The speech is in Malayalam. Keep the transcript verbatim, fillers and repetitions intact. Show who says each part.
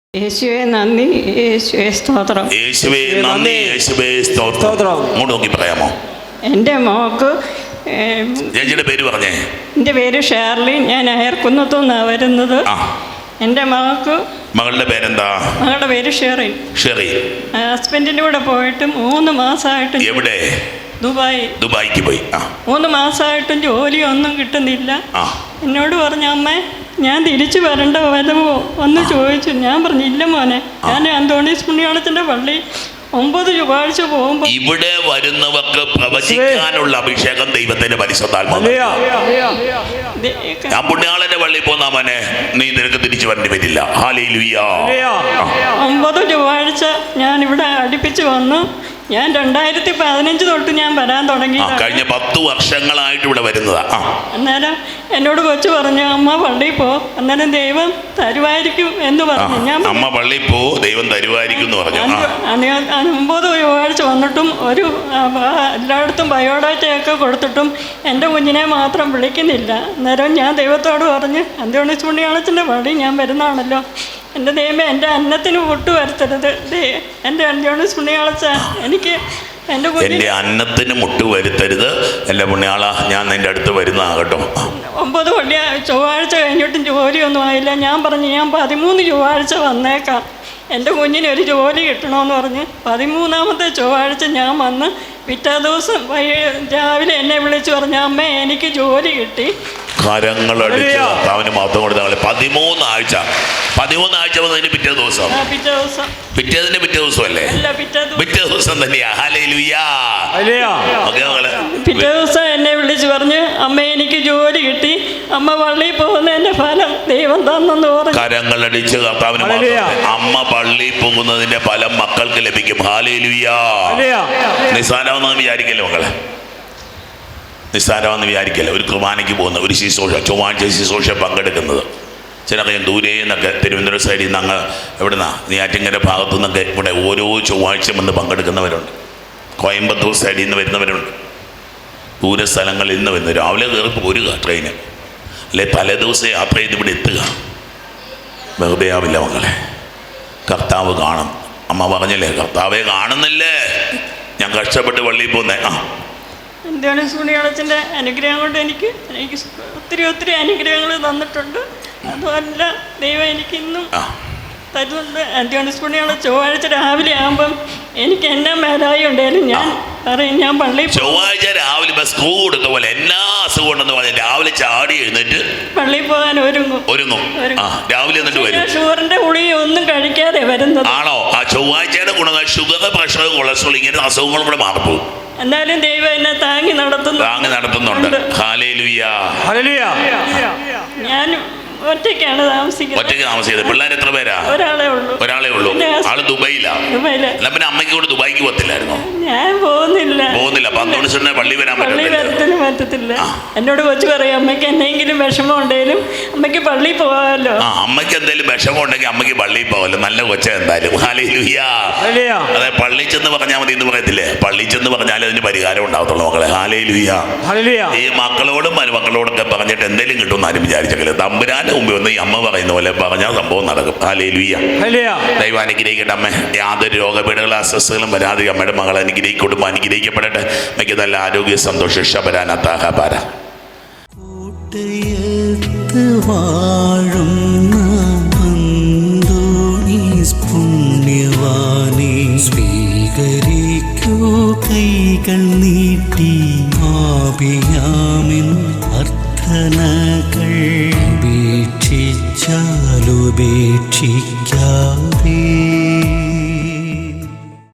Speaker 1: യേശുവേ നന്ദി, യേശുവേ സ്തോത്രം.
Speaker 2: യേശുവേ നന്ദി, യേശുവേ സ്തോത്രം. അങ്ങോട്ട് നോക്കി പറയാമോ?
Speaker 1: എൻ്റെ മോക്ക്,
Speaker 2: ചേച്ചിയുടെ പേര് പറഞ്ഞേ.
Speaker 1: എൻ്റെ പേര് ഷേർലി, ഞാൻ അയർക്കുന്നത്തു നിന്നാണ് വരുന്നത്. എൻ്റെ മകൾക്ക്,
Speaker 2: മകളുടെ പേരെന്താ?
Speaker 1: മകളുടെ പേര് ഷെറിൻ.
Speaker 2: ഷെറിൻ
Speaker 1: ഹസ്ബൻഡിൻ്റെ കൂടെ പോയിട്ട് മൂന്ന് മാസമായിട്ട്.
Speaker 2: എവിടെ?
Speaker 1: ദുബായ്.
Speaker 2: ദുബായിക്ക് പോയി.
Speaker 1: മൂന്ന് മാസമായിട്ടും ജോലിയൊന്നും കിട്ടുന്നില്ല. എന്നോട് പറഞ്ഞു, അമ്മേ ഞാൻ തിരിച്ചു വരണ്ട വരുമോ ഒന്ന് ചോദിച്ചു. ഞാൻ പറഞ്ഞു, ഇല്ല മോനെ, ഞാൻ അന്തോണീസ് പുണ്യാളത്തിൻ്റെ പള്ളി ഒമ്പത് ചൊവ്വാഴ്ച പോകുമ്പോൾ
Speaker 2: ഇവിടെ വരുന്നവർക്ക് പ്രവചിക്കാനുള്ള അഭിഷേകം ദൈവത്തിന്റെ പരിശുദ്ധാത്മാവ്. ഞാൻ പുണ്യാളന്റെ പള്ളിയിൽ പോന്ന മോനെ, നീ നിനക്ക് തിരിച്ചു വരേണ്ടി വരില്ല. ഹല്ലേലൂയ.
Speaker 1: ഒമ്പത് ചൊവ്വാഴ്ച ഞാൻ ഇവിടെ അടുപ്പിച്ച് വന്നു. ഞാൻ രണ്ടായിരത്തി പതിനഞ്ച് തൊട്ട് ഞാൻ വരാൻ തുടങ്ങി.
Speaker 2: കഴിഞ്ഞ പത്ത് വർഷങ്ങളായിട്ട് ഇവിടെ വരുന്നതാ.
Speaker 1: അന്നേരം എന്നോട് കൊച്ചു പറഞ്ഞു, അമ്മ പള്ളിയിൽ പോ, അന്നേരം ദൈവം തരുവായിരിക്കും എന്ന് പറഞ്ഞു. ഞാൻ
Speaker 2: അമ്മ പള്ളിയിൽ പോ, ദൈവം തരുവായിരിക്കും എന്ന് പറഞ്ഞു.
Speaker 1: ഒമ്പത് ചൊവ്വാഴ്ച വന്നിട്ടും ഒരു എല്ലായിടത്തും ബയോഡാറ്റയൊക്കെ കൊടുത്തിട്ടും എൻ്റെ കുഞ്ഞിനെ മാത്രം വിളിക്കുന്നില്ല. അന്നേരം ഞാൻ ദൈവത്തോട് പറഞ്ഞ്, അന്തോണീസ് പുണ്യാളത്തിൻ്റെ പള്ളി ഞാൻ വരുന്നതാണല്ലോ, എൻ്റെ ദൈവമേ എൻ്റെ അന്നത്തിന് പൊട്ടു വരുത്തരുത്. എൻ്റെ അന്തോണീസ് പുണ്യാളച്ച എനിക്ക് എൻ്റെ
Speaker 2: എൻ്റെ അന്നത്തിന് മുട്ട് വരുത്തരുത്. എൻ്റെ പുണ്യാള, ഞാൻ നിൻ്റെ അടുത്ത് വരുന്നതാകട്ടോ.
Speaker 1: ഒമ്പത് പള്ളി ചൊവ്വാഴ്ച കഴിഞ്ഞിട്ടും ജോലിയൊന്നും ആയില്ല. ഞാൻ പറഞ്ഞു, ഞാൻ പതിമൂന്ന് ചൊവ്വാഴ്ച വന്നേക്കാം, എൻ്റെ കുഞ്ഞിന് ഒരു ജോലി കിട്ടണമെന്ന് പറഞ്ഞ് പതിമൂന്നാമത്തെ ചൊവ്വാഴ്ച ഞാൻ വന്ന് പിറ്റേ ദിവസം രാവിലെ എന്നെ വിളിച്ചു പറഞ്ഞു, അമ്മേ എനിക്ക് ജോലി കിട്ടി.
Speaker 2: കരങ്ങളടിച്ച് അവന് മാത്രം കൊടുത്താൽ പതിമൂന്നാഴ്ച പതിമൂന്നാഴ്ച വന്നതിന് പിറ്റേ ദിവസം
Speaker 1: പിറ്റേ ദിവസം
Speaker 2: പിറ്റേതിന്റെ പിറ്റേ ദിവസം അല്ലേ? പിറ്റേ ദിവസം തന്നെയാ. ഹല്ലേലൂയാ.
Speaker 1: പിറ്റേ ദിവസം എന്നെ വിളിച്ചു പറഞ്ഞ്, അമ്മ എനിക്ക് ജോലി കിട്ടി, അമ്മ പള്ളിയിൽ പോകുന്നതിന്റെ ഫലം ദൈവം തന്നെന്ന് പറഞ്ഞു.
Speaker 2: കരങ്ങളടിച്ച് കർത്താവിന്. അമ്മ പള്ളിയിൽ പോകുന്നതിന്റെ ഫലം മക്കൾക്ക് ലഭിക്കും. ഹല്ലേലൂയാ. നിസ്സാരമെന്ന് വിചാരിക്കല്ലേ മക്കളെ, നിസ്സാരമെന്ന് വിചാരിക്കല്ല. ഒരു കുർബാനയ്ക്ക് പോകുന്ന ഒരു ശുശ്രൂഷ, ചൊവ്വാഴ്ച ശുശ്രൂഷ പങ്കെടുക്കുന്നത്, ചിലറിയാം ദൂരെ നിന്നൊക്കെ തിരുവനന്തപുരം സൈഡിൽ നിന്ന് അങ്ങ് എവിടുന്നാ നെയ്യാറ്റിൻകര ഭാഗത്തു നിന്നൊക്കെ ഇവിടെ ഓരോ ചൊവ്വാഴ്ച വന്ന് പങ്കെടുക്കുന്നവരുണ്ട്. കോയമ്പത്തൂർ സൈഡിൽ നിന്ന് വരുന്നവരുണ്ട്. ദൂര സ്ഥലങ്ങളിൽ നിന്ന് വരുന്നു. രാവിലെ കയറി പോരുക ട്രെയിന്, അല്ലെ തലേ ദിവസം യാത്ര ചെയ്ത് ഇവിടെ എത്തുക. വെറുതെ ആവില്ല മക്കളെ, കർത്താവ് കാണും. അമ്മ പറഞ്ഞല്ലേ, കർത്താവെ കാണുന്നില്ലേ, ഞാൻ കഷ്ടപ്പെട്ട് പള്ളിയിൽ പോകുന്നേ. ആ
Speaker 1: അന്തോണീസ് പുണ്യാളത്തിൻ്റെ അനുഗ്രഹം കൊണ്ട് എനിക്ക് എനിക്ക് ഒത്തിരി ഒത്തിരി അനുഗ്രഹങ്ങൾ തന്നിട്ടുണ്ട്. അതുമല്ല ദൈവം എനിക്ക് ഇന്നും തരുന്നുണ്ട്. അന്തോണീസ് പുണ്യാളം ചൊവ്വാഴ്ച രാവിലെ ആകുമ്പം എനിക്ക് എന്നാ മേലായി ഉണ്ടായാലും ഞാൻ പറയും, ഞാൻ പള്ളിയിൽ
Speaker 2: ചൊവ്വാഴ്ച രാവിലെ സ്കൂൾ കൊടുത്ത പോലെ എന്നാ അസുഖം ഉണ്ടെന്ന് പറഞ്ഞാൽ രാവിലെ ചാടി എഴുന്നേറ്റ് പള്ളിയിൽ
Speaker 1: പോകാൻ ഒരുങ്ങും
Speaker 2: ഒരുങ്ങും രാവിലെ എന്നിട്ട് വരും.
Speaker 1: ഷുഗറിന്റെ ഗുളിക ഒന്നും കഴിക്കാതെ വരുന്നത്.
Speaker 2: ആണോ? ആ ചൊവ്വാഴ്ചയുടെ ഗുണങ്ങൾ ഷുഗർ, പ്രഷർ, കൊളസ്ട്രോൾ, ഇങ്ങനെ അസുഖങ്ങളും കൂടെ മാറിപ്പോകും.
Speaker 1: എന്നാലും ദൈവം എന്നെ താങ്ങി നടത്തുന്നു
Speaker 2: താങ്ങി നടത്തുന്നുണ്ട്. ഹല്ലേലൂയ.
Speaker 1: ഞാൻ ഒറ്റയ്ക്കാണ് താമസിക്കുന്നത്.
Speaker 2: ഒറ്റയ്ക്ക് താമസിക്കുന്നത്. പിള്ളേർ എത്ര പേരാ?
Speaker 1: ഒരാളെ ഉള്ളൂ.
Speaker 2: ഒരാളെ ഉള്ളൂ. ആള് ദുബൈയിലാ. എന്നാ പിന്നെ അമ്മയ്ക്ക് കൂടെ ദുബായിക്ക് പോകത്തില്ലായിരുന്നോ?
Speaker 1: ഞാൻ പോകുന്നില്ല.
Speaker 2: പോകുന്നില്ല. പന്തോണിസിനെ പള്ളി വരാൻ
Speaker 1: പറ്റത്തില്ല പറ്റത്തില്ല എന്നോട് കൊച്ചു പറയും, അമ്മയ്ക്ക് എന്തെങ്കിലും വിഷമം ഉണ്ടെങ്കിലും അമ്മയ്ക്ക് പള്ളിയിൽ പോകാമല്ലോ.
Speaker 2: ആ അമ്മയ്ക്ക് എന്തെങ്കിലും വിഷമം ഉണ്ടെങ്കിൽ അമ്മയ്ക്ക് പള്ളിയിൽ പോകാമല്ലോ. നല്ല കൊച്ച എന്തായാലും. ഹല്ലേലൂയ. അതെ, പള്ളി ചെന്ന് പറഞ്ഞാൽ മതി എന്ന് പറയത്തില്ലേ? പള്ളി ചെന്ന് പറഞ്ഞാൽ അതിന് പരിഹാരം ഉണ്ടാവത്തുള്ളൂ മക്കളെ. ഹല്ലേലൂയ. ഈ മക്കളോടും മരുമക്കളോടൊക്കെ പറഞ്ഞിട്ട് എന്തെങ്കിലും കിട്ടുമെന്ന് ആരും വിചാരിച്ചെങ്കിൽ തമ്പുരാൻ മുമ്പ് ഒന്ന് ഈ അമ്മ പറയുന്ന പോലെ പറഞ്ഞാൽ സംഭവം നടക്കും. ഹല്ലേലൂയ. ദൈവം അനുഗ്രഹിക്കട്ടെ അമ്മ. യാതൊരു രോഗപീഠകളും അസ്വസ്ഥതകളും വരാതെ അമ്മയുടെ മകളെ അനുഗ്രഹിക്കും. കുടുംബം അനുഗ്രഹിക്കപ്പെടട്ടെ. എനിക്ക് നല്ല ആരോഗ്യ സന്തോഷം ശബരാനാഥാഹാര.
Speaker 3: സ്വീകരിക്കൂ കൈകൾ നീട്ടി ആപിയാമിൻ അർത്ഥനകൾ ഉപേക്ഷിച്ചാലുപേക്ഷിക്കും